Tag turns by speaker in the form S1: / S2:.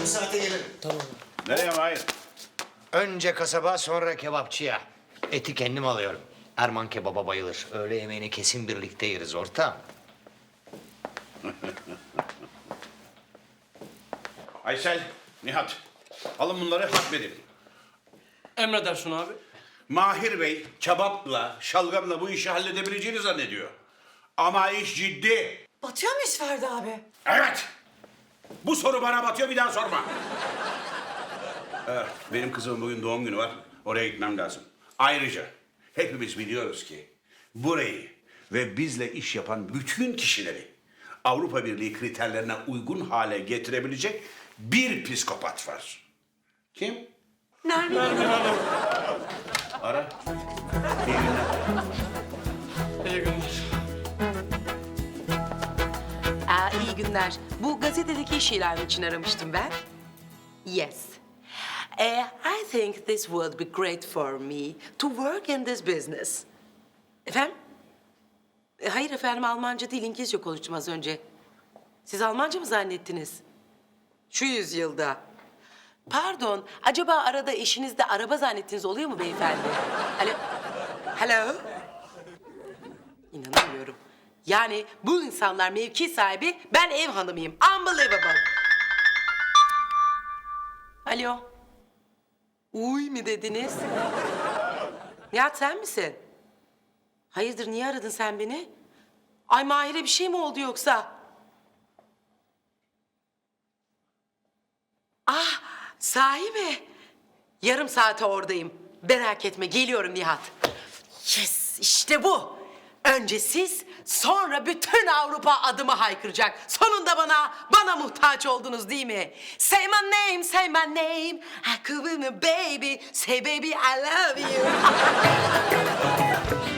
S1: Yarım saate gelirim.
S2: Nereye Mahir?
S1: Önce kasaba, sonra kebapçıya. Eti kendim alıyorum. Erman kebaba bayılır. Öğle yemeğini kesin birlikte yeriz ortağım.
S2: Aysel, Nihat. Alın bunları hatmedin.
S3: Emredersin abi.
S2: Mahir Bey kebapla, şalgamla bu işi halledebileceğini zannediyor. Ama iş ciddi.
S4: Batıyor muyuz Ferdi abi?
S2: Evet. Bu soru bana batıyor, bir daha sorma. Evet, benim kızımın bugün doğum günü var. Oraya gitmem lazım. Ayrıca hepimiz biliyoruz ki burayı ve bizle iş yapan bütün kişileri Avrupa Birliği kriterlerine uygun hale getirebilecek bir psikopat var. Kim?
S4: Nermin.
S2: Ara. İyi günler.
S3: İyi günler.
S5: İyi günler. Bu gazetedeki iş ilanı için aramıştım ben. Yes. I think this would be great for me to work in this business. Efendim? Hayır efendim, Almanca değil, İngilizce konuştum az önce. Siz Almanca mı zannettiniz? Şu yüzyılda. Pardon, acaba arada eşinizde araba zannettiniz oluyor mu beyefendi? Alo? Hello? İnanamıyorum. Yani bu insanlar mevki sahibi, ben ev hanımıyım. Unbelievable. Alo? Uy mu dediniz? Nihat sen misin? Hayırdır, niye aradın sen beni? Ay Mahir'e bir şey mi oldu yoksa? Ah, sahi mi? Yarım saate oradayım. Merak etme, geliyorum Nihat. Yes, işte bu. Önce siz, sonra bütün Avrupa adımı haykıracak. Sonunda bana muhtaç oldunuz değil mi? Say my name, say my name. I could be my baby. Say baby I love you.